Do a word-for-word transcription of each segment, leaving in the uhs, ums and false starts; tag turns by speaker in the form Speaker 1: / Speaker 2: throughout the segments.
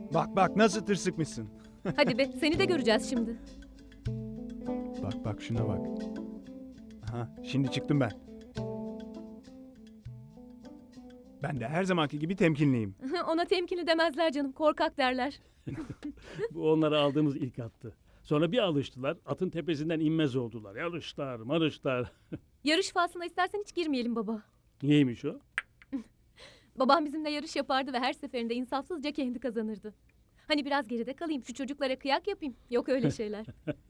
Speaker 1: Bak bak nasıl tırsıkmışsın.
Speaker 2: Hadi be, seni de göreceğiz şimdi.
Speaker 1: Bak bak şuna bak. Aha, şimdi çıktım ben. Ben de her zamanki gibi temkinliyim.
Speaker 2: Ona temkinli demezler canım, korkak derler.
Speaker 3: Bu onlara aldığımız ilk attı. Sonra bir alıştılar, atın tepesinden inmez oldular. Yarışlar, marışlar.
Speaker 2: Yarış faslına istersen hiç girmeyelim baba.
Speaker 3: Niyeymiş o?
Speaker 2: Babam bizimle yarış yapardı ve her seferinde insafsızca kendi kazanırdı. Hani biraz geride kalayım, şu çocuklara kıyak yapayım. Yok öyle şeyler.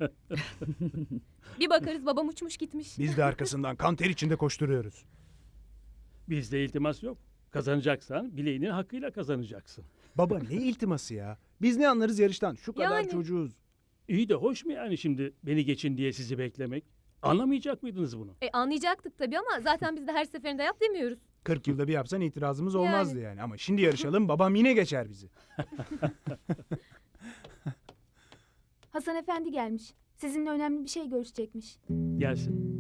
Speaker 2: Bir bakarız babam uçmuş gitmiş.
Speaker 1: Biz de arkasından kan ter içinde koşturuyoruz.
Speaker 3: Bizde iltimas yok. Kazanacaksan bileğinin hakkıyla kazanacaksın.
Speaker 1: Baba ne iltiması ya? Biz ne anlarız yarıştan? Şu kadar
Speaker 2: Yani.
Speaker 1: çocuğuz.
Speaker 3: İyi de hoş mu yani şimdi beni geçin diye sizi beklemek? Anlamayacak mıydınız bunu?
Speaker 2: E anlayacaktık tabii ama zaten biz de her seferinde yap demiyoruz.
Speaker 1: kırk yılda bir yapsan itirazımız olmazdı yani. Ama şimdi yarışalım babam yine geçer bizi.
Speaker 4: Hasan Efendi gelmiş. Sizinle önemli bir şey görüşecekmiş.
Speaker 3: Gelsin.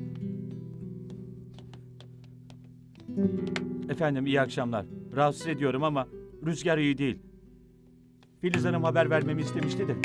Speaker 5: Efendim iyi akşamlar. Rahatsız ediyorum ama rüzgar iyi değil. Filiz Hanım haber vermemi istemişti de.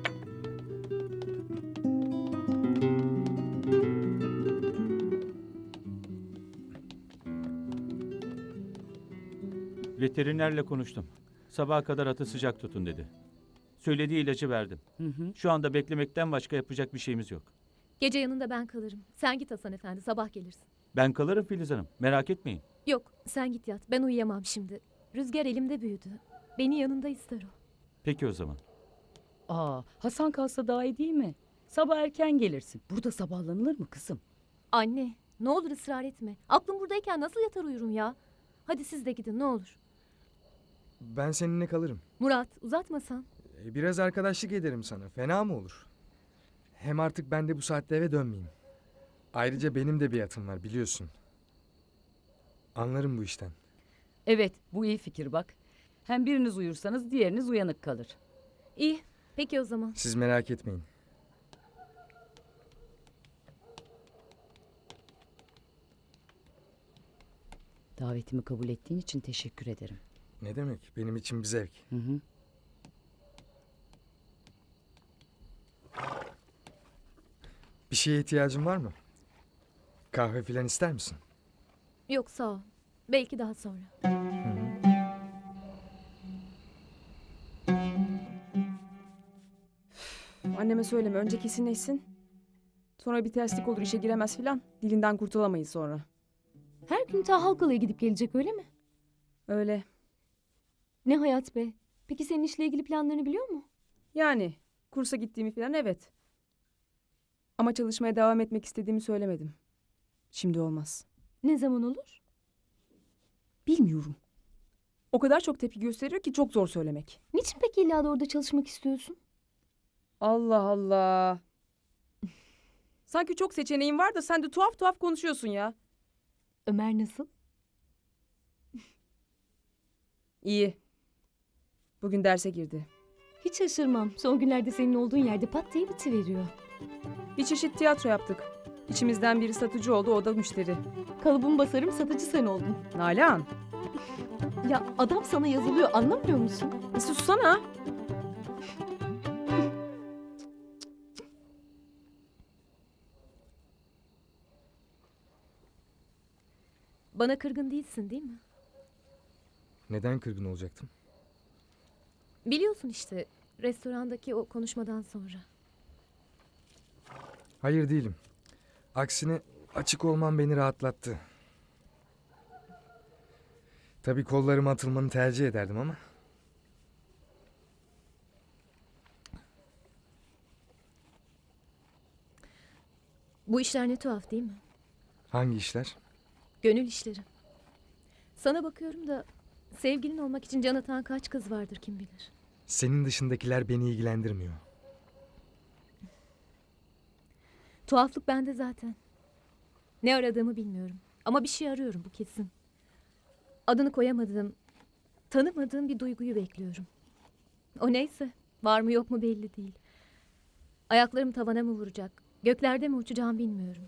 Speaker 5: Veterinerle konuştum. Sabaha kadar atı sıcak tutun dedi. Söylediği ilacı verdim.
Speaker 3: Hı hı.
Speaker 5: Şu anda beklemekten başka yapacak bir şeyimiz yok.
Speaker 2: Gece yanında ben kalırım. Sen git Hasan Efendi, sabah gelirsin.
Speaker 5: Ben kalırım Filiz Hanım. Merak etmeyin.
Speaker 2: Yok, sen git yat. Ben uyuyamam şimdi. Rüzgar elimde büyüdü. Beni yanında ister o.
Speaker 5: Peki o zaman.
Speaker 6: Aa, Hasan kalsa daha iyi değil mi? Sabah erken gelirsin. Burada sabahlanılır mı kızım?
Speaker 2: Anne, ne olur ısrar etme. Aklım buradayken nasıl yatar uyurum ya? Hadi siz de gidin ne olur.
Speaker 7: Ben seninle kalırım.
Speaker 2: Murat, uzatmasan.
Speaker 7: E, Biraz arkadaşlık ederim sana. Fena mı olur? Hem artık ben de bu saatte eve dönmeyeyim. Ayrıca benim de bir atım var biliyorsun. Anlarım bu işten.
Speaker 6: Evet, bu iyi fikir bak. Hem biriniz uyursanız diğeriniz uyanık kalır.
Speaker 2: İyi, peki o zaman.
Speaker 7: Siz merak etmeyin.
Speaker 6: Davetimi kabul ettiğin için teşekkür ederim.
Speaker 7: Ne demek? Benim için bir zevk.
Speaker 6: Hı hı.
Speaker 7: Bir şeye ihtiyacın var mı? Kahve filan ister misin?
Speaker 2: Yok sağ ol. Belki daha sonra.
Speaker 8: Anneme söyleme. Önce kesinleşsin. Sonra bir terslik olur, işe giremez filan. Dilinden kurtulamayız sonra.
Speaker 4: Her gün ta Halkalı'ya gidip gelecek öyle mi?
Speaker 8: Öyle.
Speaker 4: Ne hayat be. Peki senin işle ilgili planlarını biliyor mu?
Speaker 8: Yani kursa gittiğimi filan evet. Ama çalışmaya devam etmek istediğimi söylemedim. Şimdi olmaz.
Speaker 4: Ne zaman olur?
Speaker 8: Bilmiyorum. O kadar çok tepki gösteriyor ki çok zor söylemek.
Speaker 4: Niçin peki illa da orada çalışmak istiyorsun?
Speaker 8: Allah Allah. Sanki çok seçeneğin var da sen de tuhaf tuhaf konuşuyorsun ya.
Speaker 4: Ömer nasıl?
Speaker 8: İyi. Bugün derse girdi.
Speaker 4: Hiç şaşırmam. Son günlerde senin olduğun yerde pat diye bitiveriyor.
Speaker 8: Bir çeşit tiyatro yaptık. İçimizden biri satıcı oldu, o da müşteri.
Speaker 4: Kalıbımı basarım, satıcı sen oldun.
Speaker 8: Nalan,
Speaker 4: Ya adam sana yazılıyor, anlamıyor musun?
Speaker 8: bir sussana.
Speaker 2: Bana kırgın değilsin değil mi?
Speaker 7: Neden kırgın olacaktım?
Speaker 2: Biliyorsun işte restorandaki o konuşmadan sonra.
Speaker 7: Hayır değilim. Aksine açık olman beni rahatlattı. Tabii kollarıma atılmanı tercih ederdim ama.
Speaker 2: Bu işler ne tuhaf değil mi?
Speaker 7: Hangi işler?
Speaker 2: Gönül işleri. Sana bakıyorum da sevgilin olmak için can atan kaç kız vardır kim bilir.
Speaker 7: Senin dışındakiler beni ilgilendirmiyor.
Speaker 2: Tuhaflık bende zaten. Ne aradığımı bilmiyorum. Ama bir şey arıyorum bu kesin. Adını koyamadığım, tanımadığım bir duyguyu bekliyorum. O neyse, var mı yok mu belli değil. Ayaklarım tavana mı vuracak, göklerde mi uçacağım bilmiyorum.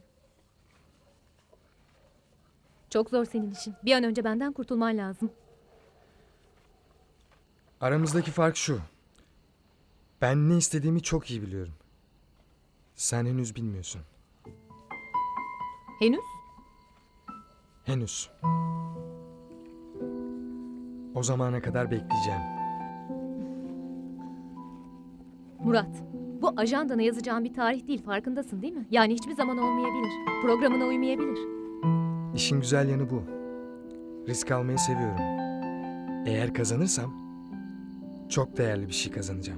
Speaker 2: Çok zor senin işin. Bir an önce benden kurtulman lazım.
Speaker 7: Aramızdaki fark şu. Ben ne istediğimi çok iyi biliyorum. Sen henüz bilmiyorsun.
Speaker 2: Henüz?
Speaker 7: Henüz. O zamana kadar bekleyeceğim.
Speaker 2: Murat, bu ajandana yazacağın bir tarih değil, farkındasın değil mi? Yani hiçbir zaman olmayabilir. Programına uymayabilir.
Speaker 7: İşin güzel yanı bu. Risk almayı seviyorum. Eğer kazanırsam çok değerli bir şey kazanacağım.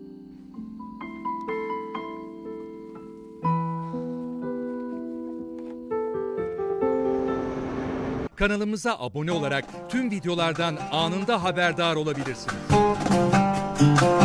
Speaker 9: Kanalımıza abone olarak tüm videolardan anında haberdar olabilirsiniz.